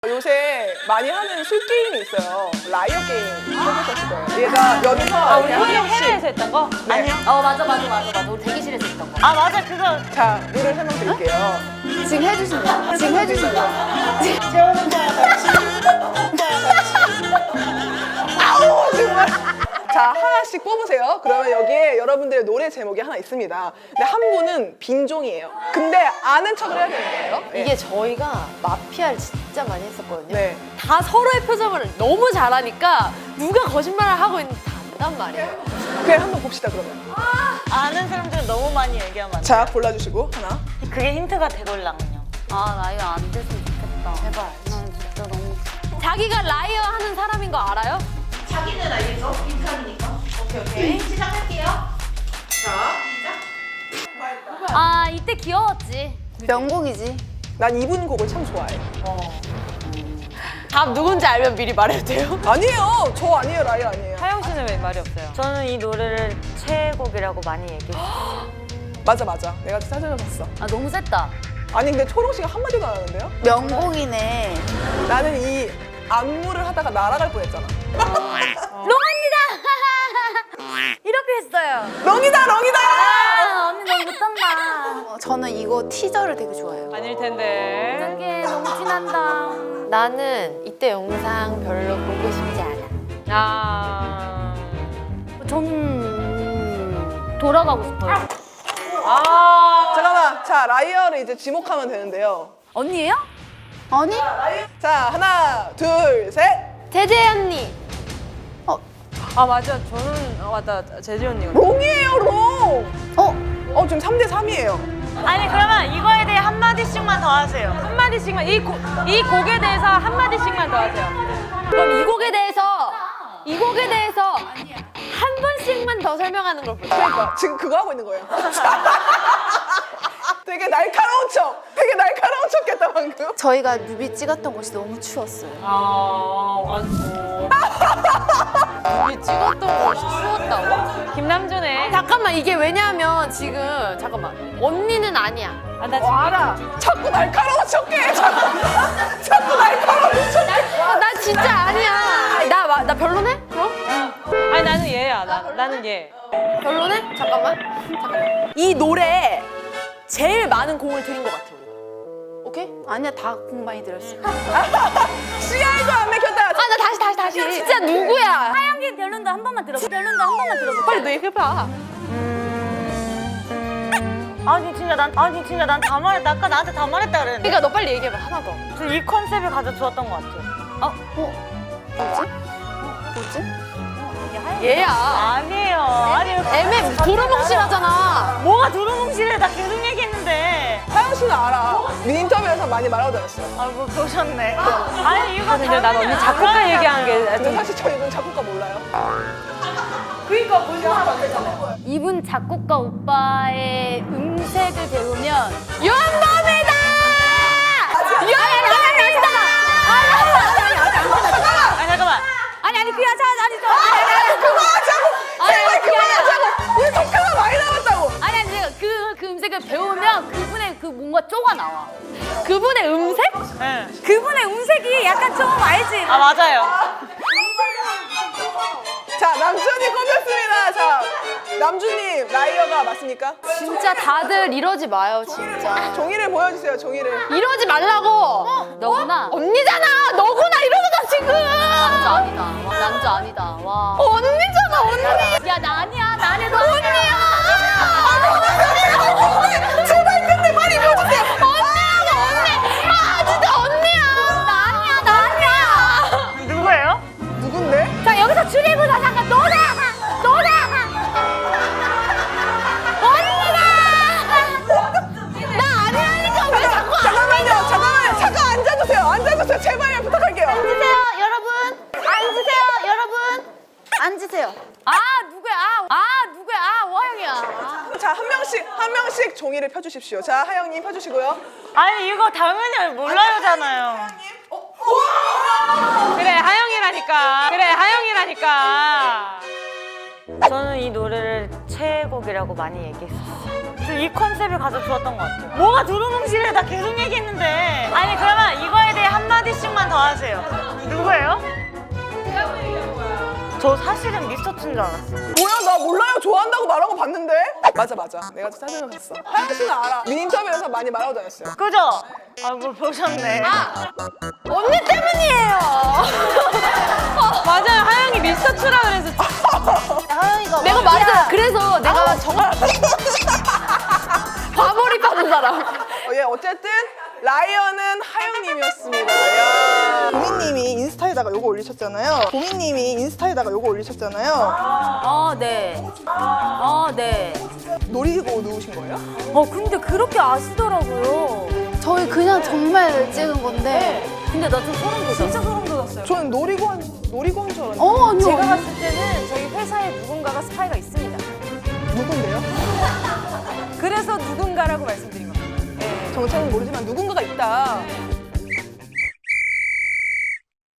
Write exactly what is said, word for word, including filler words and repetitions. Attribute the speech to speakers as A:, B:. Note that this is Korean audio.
A: 요새 많이 하는 술 게임이 있어요. 라이어 게임 해보셨을 거예요. 얘가 여기서
B: 아, 우리
A: 한
B: 해외,
A: 명씩
B: 해외에서 했던 거?
A: 네.
B: 아니요.
C: 어 맞아 맞아 맞아 맞아 우리 대기실에서 했던 거.
B: 아, 맞아. 그거.
A: 자, 룰을 설명드릴게요.
D: 지금 해주신 거야? 지금 해주신 거야?
A: 재우는 거야 같이. 아우 정말. 자, 하나씩 뽑으세요. 그러면 여기에 여러분들의 노래 제목이 하나 있습니다. 근데 한 분은 빈종이에요. 근데 아는 척을 해야 되는 거예요. 네.
C: 이게 저희가 마피아를 진짜 많이 했었거든요.
A: 네.
C: 다 서로의 표정을 너무 잘하니까 누가 거짓말을 하고 있는지 다 안단 말이에요.
A: 그냥 한번 봅시다 그러면.
B: 아는 사람들은 너무 많이 얘기하면 안 돼.
A: 자, 골라주시고 하나.
B: 그게 힌트가 되걸랑요.
C: 아 라이어 안 됐으면 좋겠다. 제발. 난 진짜 너무. 자기가 라이어 하는 사람인 거 알아요?
E: 자기는 알겠죠? 빈칸이니까. 오케이, 오케이. 시작할게요. 자, 시작.
C: 아 이때 귀여웠지.
D: 명곡이지.
A: 난 이분 곡을 참 좋아해.
C: 답 누군지 알면 미리 말해도 돼요?
A: 아니에요. 저 아니에요. 라이어 아니에요.
B: 하영 씨는 왜 말이 없어요? 저는 이 노래를 최애곡이라고 많이 얘기했어요.
A: 맞아 맞아. 내가 찾아봤어.
C: 아 너무 셌다.
A: 아니 근데 초롱 씨가 한마디도 안 하는데요?
D: 명곡이네.
A: 나는 이 안무를 하다가 날아갈 뻔했잖아.
C: 롱입니다. 이렇게 했어요.
A: 렁이다 렁이다.
C: 아 언니 너무 못한다.
D: 어, 저는 이거 티저를 되게 좋아해요.
B: 아닐 텐데.
C: 어떡해 너무 티난다. 나는 이때 영상 별로 보고 싶지 않아.
B: 아.
C: 저는 돌아가고 싶어요.
B: 아.
A: 잠깐만. 자, 라이어를 이제 지목하면 되는데요.
C: 언니예요?
D: 아니?
A: 자, 하나, 둘, 셋.
C: 제재 언니.
B: 아, 맞아. 저는, 아, 맞다. 재지 언니가.
A: 롱이에요, 롱.
D: 어?
A: 어, 지금 삼 대 삼이에요.
B: 아니, 그러면 이거에 대해 한마디씩만 더 하세요. 한마디씩만. 이, 곡, 이 곡에 대해서 한마디씩만 더 하세요.
C: 그럼 이 곡에 대해서 이 곡에 대해서 한 번씩만 더 설명하는 걸 볼까요?
A: 그러니까 지금 그거 하고 있는 거예요. 되게 날카로운 척. 되게 날카로운 척했다 방금.
D: 저희가 뮤비 찍었던 곳이 너무 추웠어요.
B: 아, 완전.
C: 우리 찍었던 거 추웠다고?
B: 김남준의.
C: 잠깐만 이게 왜냐면 지금 잠깐만 언니는 아니야.
B: 아, 나
A: 어,
B: 지금.
A: 알아. 자꾸 날카로운 척해. 자꾸, 자꾸 날카로운 척해.
C: 아, 나 진짜 아니야. 나, 마- 나 별로네? 그럼?
B: 아니, 나는 얘야. 나, 나는 얘.
C: 별로네? 잠깐만. 잠깐만. 이 노래에 제일 많은 공을 들인 것 같아. 우리. 오케이?
D: 아니야, 다 공 많이 들었어.
A: 씨알도 안 맥혔다.
C: 아, 나 다시, 다시, 다시. 진짜 누구야? 하영기 별론도 한 번만 들어봐. 별론도 한 번만 들어봐. 빨리 너 얘기해봐.
B: 아니, 진짜 난, 아니, 진짜 난 다 말했다. 아까 나한테 다 말했다 그랬는데.
C: 그러니까 너 빨리 얘기해봐. 하나 더.
B: 저 이 컨셉이 가장 좋았던 것 같아요.
D: 어? 뭐지?
C: 얘야.
B: 아니에요. 아니,
C: 애매 도루묵실하잖아.
B: 뭐가 두루뭉실해. 나 계속 얘기했는데.
A: 하영 씨는 알아. 인터뷰에서 많이 말하고 다녔어요.
B: 아, 뭐 보셨네. 아니, 이거
F: 근데 난 언니 작곡가 얘기한 게
A: 근데 사실 저 이분 작곡가 몰라요.
C: 이분 작곡가 오빠의 음색을 배우면 연범이다! 연범이다!
B: 아니, 잠깐만.
C: 아니 아니 그냥 자 아니 저 아니 아니 아니
A: 그만하자고.
C: 아니,
A: 제발
C: 아니, 그게 아니라-
A: 그만하자고. 우리 독해가 많이 나왔다고.
C: 아니 아니 제가 그, 그 음색을 배우면 그분의 그 뭔가 쪼가 나와. 그분의 음색?
B: 네.
C: 그분의 음색이 약간 좀 알지?
B: 아, 맞아요.
A: 자, 남준이 꼽혔습니다. 자, 남준님 라이어가 맞습니까?
C: 진짜 다들 이러지 마요 진짜.
A: 종이를 보여주세요. 종이를.
C: 이러지 말라고. 너구나. 언니잖아. 너구나 이러잖아 지금. 남자 아니다. 와, 남자 아니다. 와. 언니잖아 언니. 야 나 아니야. 나 아니야. 너 언니야.
A: 제발 근데 많이 보여주세요.
C: 언니라고 언니. 아 진짜 언니야. 나 아니야. 나 아니야.
B: 누구예요?
A: 누군데?
C: 자 여기서 줄이고자 잠깐 너다. 너다. 언니다. 나 아니라니까 왜 자꾸 안
A: 잠깐만요. 잠깐만요. 잠깐 앉아주세요. 앉아주세요. 제발 부탁할게요.
D: 앉으세요, 여러분. 앉으세요, 여러분. 앉으세요.
C: 아 누구야? 아, 아 누구야? 아 오하영이야.
A: 자, 한 명씩 한 명씩 종이를 펴주십시오. 자, 하영님 펴주시고요.
B: 아니, 이거 당연히 몰라요잖아요. 그래, 하영이라니까. 그래, 하영이라니까. 저는 이 노래를 최애곡이라고 많이 얘기했었어요. 저 이 컨셉이 가장 좋았던 것 같아요. 뭐가 두루뭉실해. 나 계속 얘기했는데. 아니, 그러면 이거에 대해 한 한마디씩만 더 하세요. 누구예요? 저 사실은 미스터트인 줄 알았어요.
A: 뭐야 나 몰라요. 좋아한다고 말한 거 봤는데. 맞아 맞아. 내가 찾아봤어. 하영 씨는 알아. 민 인터뷰에서 많이 말하고 다녔어요.
B: 그죠? 아, 뭐 보셨네.
C: 언니 때문이에요.
B: 맞아요. 하영이 미스터트라 그래서.
D: 하영이가
C: 내가 말했잖아. 그래서 내가 정말 과몰입하는 사람.
A: 어, 예 어쨌든 라이언은 하영님이었습니다. 야. 보미님이 인스타에다가 요거 올리셨잖아요. 보미님이 인스타에다가 요거 올리셨잖아요.
C: 아 네. 아 네.
A: 노리고 누우신 거예요?
C: 어 근데 그렇게 아시더라고요.
D: 저희 그냥 정말 찍은 건데.
C: 근데 나 좀 소름 돋았어.
B: 진짜 소름 돋았어요.
A: 저는 노리고 한 노리고 한 줄 알았는데.
D: 어 아니요.
B: 제가 봤을 때는 저희 회사에 누군가가 스파이가 있습니다.
A: 누군데요?
B: 그래서 누군가라고 말씀드린 겁니다.
A: 정체는 모르지만 누군가가 있다.